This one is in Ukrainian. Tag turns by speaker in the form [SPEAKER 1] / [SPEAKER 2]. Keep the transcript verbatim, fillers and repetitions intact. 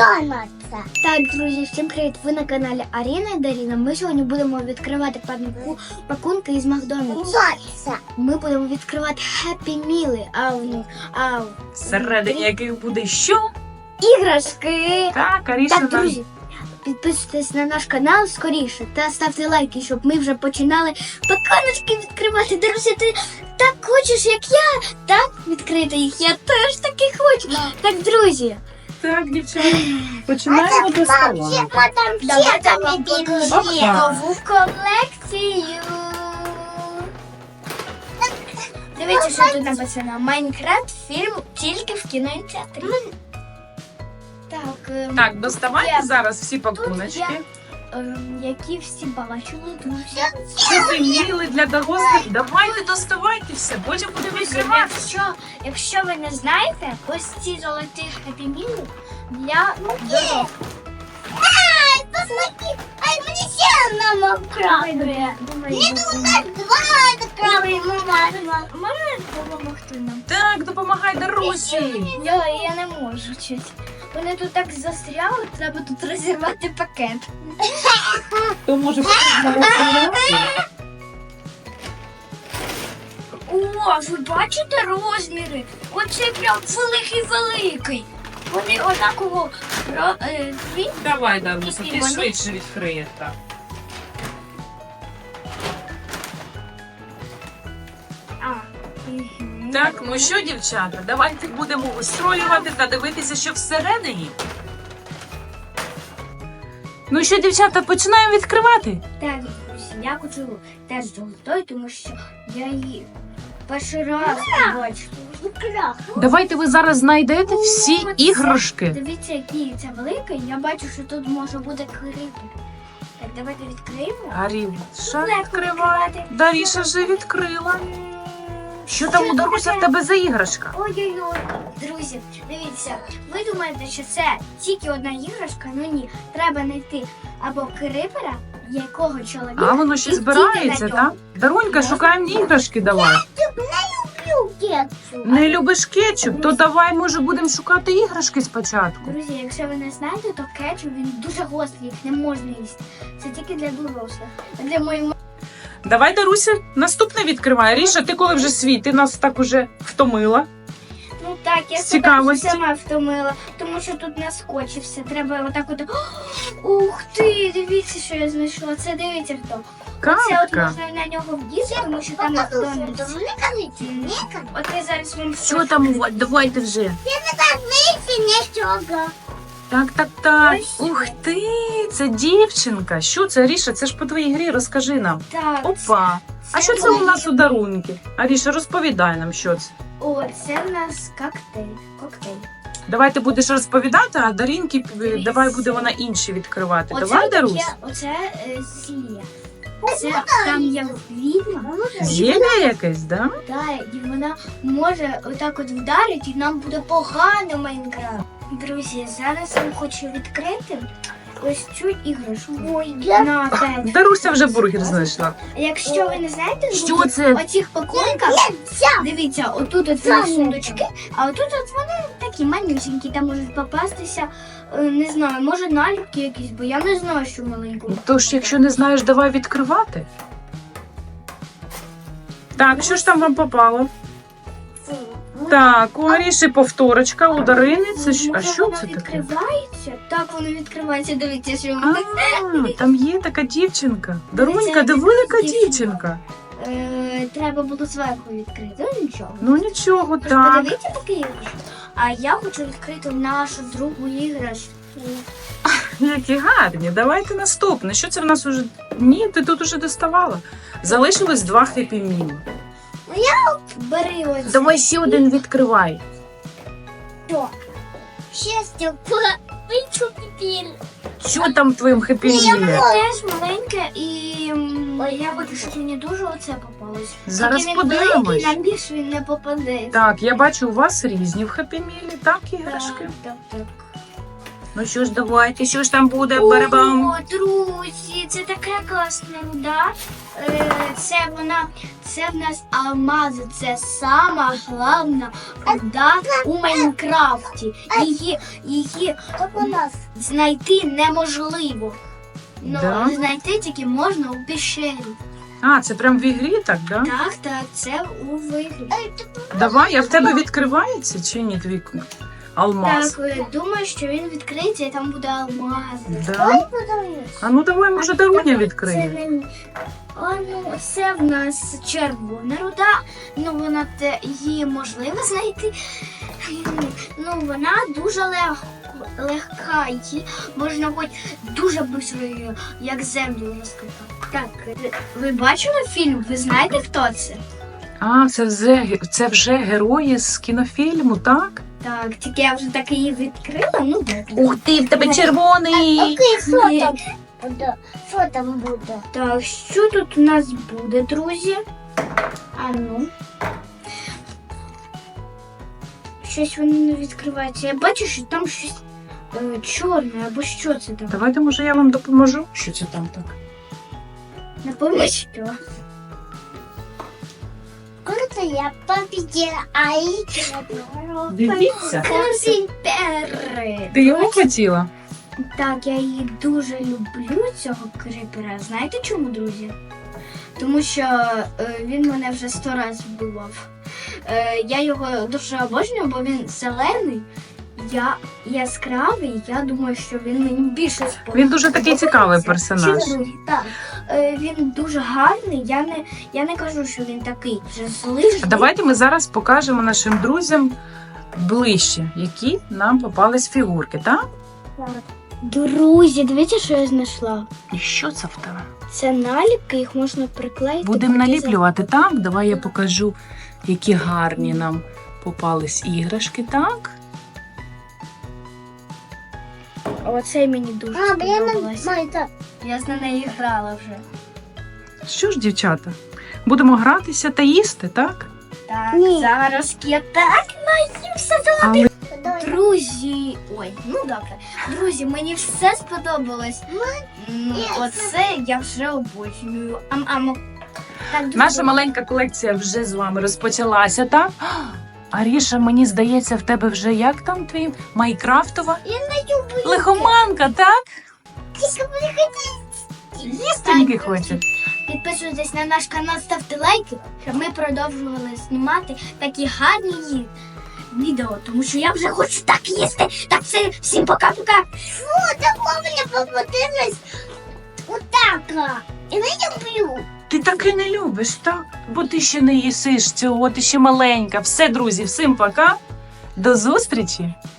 [SPEAKER 1] Макдональдса.
[SPEAKER 2] Так, друзі, всім привіт! Ви на каналі Аріна і Даріна. Ми сьогодні будемо відкривати паку- пакунки із Макдональдса.
[SPEAKER 1] Макдональдса.
[SPEAKER 2] Ми будемо відкривати Happy Meal, а в них а в-
[SPEAKER 3] Всередині яких буде що?
[SPEAKER 2] іграшки.
[SPEAKER 3] Так, Аріша
[SPEAKER 2] Так,
[SPEAKER 3] нам...
[SPEAKER 2] друзі, підписуйтесь на наш канал скоріше та ставте лайки, щоб ми вже починали пакуночки відкривати. Друзі, ти так хочеш, як я, так відкрити їх. Я теж таки хочу. Так, друзі,
[SPEAKER 3] Так, дівчата, починаємо доставати.
[SPEAKER 1] Там
[SPEAKER 2] давайте
[SPEAKER 1] всі
[SPEAKER 2] вам
[SPEAKER 1] там
[SPEAKER 2] покажу
[SPEAKER 3] Опа.
[SPEAKER 2] нову колекцію. Дивіться, що тут написано. Майнкрафт фільм тільки в кінотеатрі. Так, ем,
[SPEAKER 3] Так, доставайте
[SPEAKER 2] Я-
[SPEAKER 3] зараз всі
[SPEAKER 2] тут
[SPEAKER 3] пакуночки.
[SPEAKER 2] я, ем, які всі бачили, друзі.
[SPEAKER 3] Що ви міли для дорослих? Давайте доставайте все, потім будемо відкривати.
[SPEAKER 2] Якщо, якщо ви не знаєте, ось ці золоті хеппі-міли для дорослих.
[SPEAKER 1] Ай, посмотри. Ай, мені ще одна крабрі. Мені тут так два крабрі, мама.
[SPEAKER 2] Можна допомогти нам?
[SPEAKER 3] Так, допомагай Дарусі.
[SPEAKER 2] Я, я не можу чуть. Вони тут так застряли, треба тут розірвати пакет.
[SPEAKER 3] То може зараз.
[SPEAKER 2] О, ви бачите розміри? Оце прям великий-великий. Вони однаково ро- е, дві.
[SPEAKER 3] Давай, Даруся, ти
[SPEAKER 2] Вони-
[SPEAKER 3] швидше відкриєш. Так.
[SPEAKER 2] А, мгм.
[SPEAKER 3] Так, ну що, дівчата, давайте будемо устроювати та дивитися, що всередині. Ну що, дівчата, починаємо відкривати?
[SPEAKER 2] Так, друзі, я хочу теж золотою, тому що я її перший раз бачу.
[SPEAKER 3] Давайте ви зараз знайдете всі
[SPEAKER 2] О, це-
[SPEAKER 3] іграшки.
[SPEAKER 2] Дивіться, який це великий. Я бачу, що тут може бути крипер. Так, давайте відкриємо.
[SPEAKER 3] Аріша
[SPEAKER 2] Легко
[SPEAKER 3] відкриває.
[SPEAKER 2] відкривати.
[SPEAKER 3] Даріша вже відкрила. Що там у Даруся в тебе за іграшка?
[SPEAKER 2] Ой-ой-ой, друзі, дивіться, ви думаєте, що це тільки одна іграшка? Ну ні, треба знайти або крипера, якого чоловіка.
[SPEAKER 3] А воно ще
[SPEAKER 2] і
[SPEAKER 3] збирається,
[SPEAKER 2] тільки на
[SPEAKER 3] так? Дарунька, шукаємо іграшки давай.
[SPEAKER 1] Люблю кетчуп.
[SPEAKER 3] Не любиш кетчуп, то давай, може, будемо шукати іграшки спочатку.
[SPEAKER 2] Друзі, якщо ви не знаєте, то кетчуп він дуже гострий, їх не можна їсти. Це тільки для дорослих. А для моєї
[SPEAKER 3] Давай, Даруся, наступне відкривай. Ріша, ти коли вже свій, ти нас так уже втомила.
[SPEAKER 2] ну так, я
[SPEAKER 3] З
[SPEAKER 2] себе
[SPEAKER 3] цікавості.
[SPEAKER 2] сама втомила, тому що тут наскочився. Треба отак от. Ух ти, дивіться, що я знайшла. Це дивіться хто. Це от
[SPEAKER 3] Катка.
[SPEAKER 2] можна на нього вдіти, тому що там Макдональдс.
[SPEAKER 1] Мені кажуть, мені кажуть.
[SPEAKER 2] От я зараз вам
[SPEAKER 3] Що там у вас? Давайте вже.
[SPEAKER 1] Я не так вийти нічого.
[SPEAKER 3] Так, так, так.
[SPEAKER 2] Ось.
[SPEAKER 3] Ух ти, це дівчинка. Що це, Ріша? Це ж по твоїй грі, розкажи нам.
[SPEAKER 2] Так.
[SPEAKER 3] Опа. А що це у нас у дарунки? Аріша, розповідай нам, що це.
[SPEAKER 2] О, це в нас коктейль. Коктейль.
[SPEAKER 3] Давай ти будеш розповідати, а Дарінки, е, давай буде вона інші відкривати. Давай, Дарусь?
[SPEAKER 2] таке, оце е, зілля. Це там є відьма.
[SPEAKER 3] Зілля якесь, да?
[SPEAKER 2] Да, і вона може отак от вдарити, і нам буде погано Майнкрафт. Друзі, зараз я хочу відкрити ось цю іграшку. Ой, на п'ять.
[SPEAKER 3] Даруся вже бургер знайшла.
[SPEAKER 2] Якщо ви не знаєте,
[SPEAKER 3] Що
[SPEAKER 2] друзі,
[SPEAKER 3] це?
[SPEAKER 2] оцих пакунках, дивіться, отут от вони сундучки, а отут от вони такі манюсенькі, там можуть попастися, е, не знаю, може наліпки якісь, бо я не знаю, що маленькому.
[SPEAKER 3] Тож, якщо не знаєш, давай відкривати. Так, що ж там вам попало? Так, у Аріші повторочка, у Дарини. Це ж... А
[SPEAKER 2] Може,
[SPEAKER 3] що
[SPEAKER 2] воно
[SPEAKER 3] це таке?
[SPEAKER 2] відкривається? Так, воно відкривається, дивіться, що
[SPEAKER 3] А,
[SPEAKER 2] воно.
[SPEAKER 3] там є така дівчинка. Дарунька,
[SPEAKER 2] Дивіться,
[SPEAKER 3] диви, яка
[SPEAKER 2] дівчинка.
[SPEAKER 3] дівчинка.
[SPEAKER 2] Е, треба було зверху відкрити, ну нічого.
[SPEAKER 3] Ну нічого,
[SPEAKER 2] Просто
[SPEAKER 3] так.
[SPEAKER 2] подивіться такі іграшки. А я хочу відкрити нашу другу іграшку.
[SPEAKER 3] Які гарні. Давайте наступне. Що це в нас уже? Ні, ти тут уже доставала. Залишилось два хеппі-міли.
[SPEAKER 2] Бери ось.
[SPEAKER 3] Давай ще один відкривай.
[SPEAKER 2] Що?
[SPEAKER 1] Щастя, вийшов тепер.
[SPEAKER 3] Що там в твоєму хеппі-мілі?
[SPEAKER 2] Це теж маленьке і м, я хочу, щоб мені дуже оце попалось.
[SPEAKER 3] Зараз
[SPEAKER 2] Тільки він
[SPEAKER 3] подивимось.
[SPEAKER 2] великий, нам більше він не попаде.
[SPEAKER 3] Так, я бачу, у вас різні в хеппі-мілі, так, іграшки?
[SPEAKER 2] Так, так, так.
[SPEAKER 3] Ну що ж, давайте, що ж там буде, барабам?
[SPEAKER 2] О, друзі, це така класна руда. Е, Це вона, це в нас алмази. Це сама головна руда у Майнкрафті. Її, її
[SPEAKER 1] Как у нас.
[SPEAKER 2] знайти неможливо. Ну,
[SPEAKER 3] Да?
[SPEAKER 2] знайти тільки можна у пещері.
[SPEAKER 3] А, це прям в ігрі так, да?
[SPEAKER 2] Так, так, це у вигляді.
[SPEAKER 3] Давай, а в тебе відкривається чи ні твій алмаз?
[SPEAKER 2] Так, е, думаю, що він відкриється і там буде алмази.
[SPEAKER 3] Да? А ну давай, може, Даруня
[SPEAKER 2] Це
[SPEAKER 3] відкриє.
[SPEAKER 2] не... А, ну, це в нас червона руда, ну вона те, її можливо знайти. Ну, вона дуже легко, легка, її можна хоч дуже швидко, як землю розкопати. Так, ви- ви бачили фільм? Ви знаєте, хто це?
[SPEAKER 3] А, це вже, це вже герої з кінофільму, так?
[SPEAKER 2] Так, тільки я вже так її відкрила, ну добре.
[SPEAKER 3] Ух ти, в тебе червоний!
[SPEAKER 1] Окей, що
[SPEAKER 2] Ні.
[SPEAKER 1] там буде? Що там буде?
[SPEAKER 2] Так, що тут у нас буде, друзі? А ну. Щось воно не відкривається. Я бачу, що там щось е, чорне, або що це там?
[SPEAKER 3] Давайте, може, я вам допоможу. Що це там так?
[SPEAKER 2] Не пам'ятаю, що.
[SPEAKER 1] Круто, я победила. Ай,
[SPEAKER 3] Дивіться.
[SPEAKER 2] Кріпери.
[SPEAKER 3] Ти його хотіла?
[SPEAKER 2] Так, я її дуже люблю, цього кріпера. Знаєте чому, друзі? Тому що е, він мене вже сто разів вбивав. Е, я його дуже обожнюю, бо він зелений, я яскравий, я думаю, що він мені більше сподобається.
[SPEAKER 3] Він дуже такий цікавий персонаж.
[SPEAKER 2] Чи другий? Так. Е, він дуже гарний, я не, я не кажу, що він такий вже злий.
[SPEAKER 3] А давайте ми зараз покажемо нашим друзям ближче, які нам попались фігурки, так?
[SPEAKER 2] Друзі, дивіться, що я знайшла.
[SPEAKER 3] І що це в тебе?
[SPEAKER 2] Це наліпки, їх можна приклеїти.
[SPEAKER 3] Будемо
[SPEAKER 2] куди
[SPEAKER 3] наліплювати, так? Давай я покажу, які гарні нам попались іграшки, так?
[SPEAKER 2] за- Оцей мені дуже
[SPEAKER 1] А, блин,
[SPEAKER 2] сподобалось.
[SPEAKER 1] Майка.
[SPEAKER 2] Я з нею грала вже.
[SPEAKER 3] Що ж, дівчата, будемо гратися та їсти, так?
[SPEAKER 2] Так,
[SPEAKER 1] Ні.
[SPEAKER 2] зараз я так наївся.
[SPEAKER 3] Але
[SPEAKER 2] Друзі, ой, ну добре. Друзі, мені все сподобалось. Ну, оце я вже обожнюю. Ам, ам. Так, друзі,
[SPEAKER 3] наша маленька колекція вже з вами розпочалася, так? Аріша, мені здається, в тебе вже як там твій майкрафтова?
[SPEAKER 1] Я не люблю.
[SPEAKER 3] Лихоманка, так?
[SPEAKER 1] Тільки приходіть.
[SPEAKER 3] Їстеньки хоче.
[SPEAKER 2] підписуйтесь на наш канал, ставте лайки, щоб ми продовжували знімати такі гарні ї- відео, тому що я вже хочу так їсти. Так, все, всім пока-пока.
[SPEAKER 1] Фу, такого мені попадилось. Отака. І не люблю.
[SPEAKER 3] Ти таки не любиш, так? Бо ти ще не їсиш цього, ти ще маленька. Все, друзі, всім пока. До зустрічі!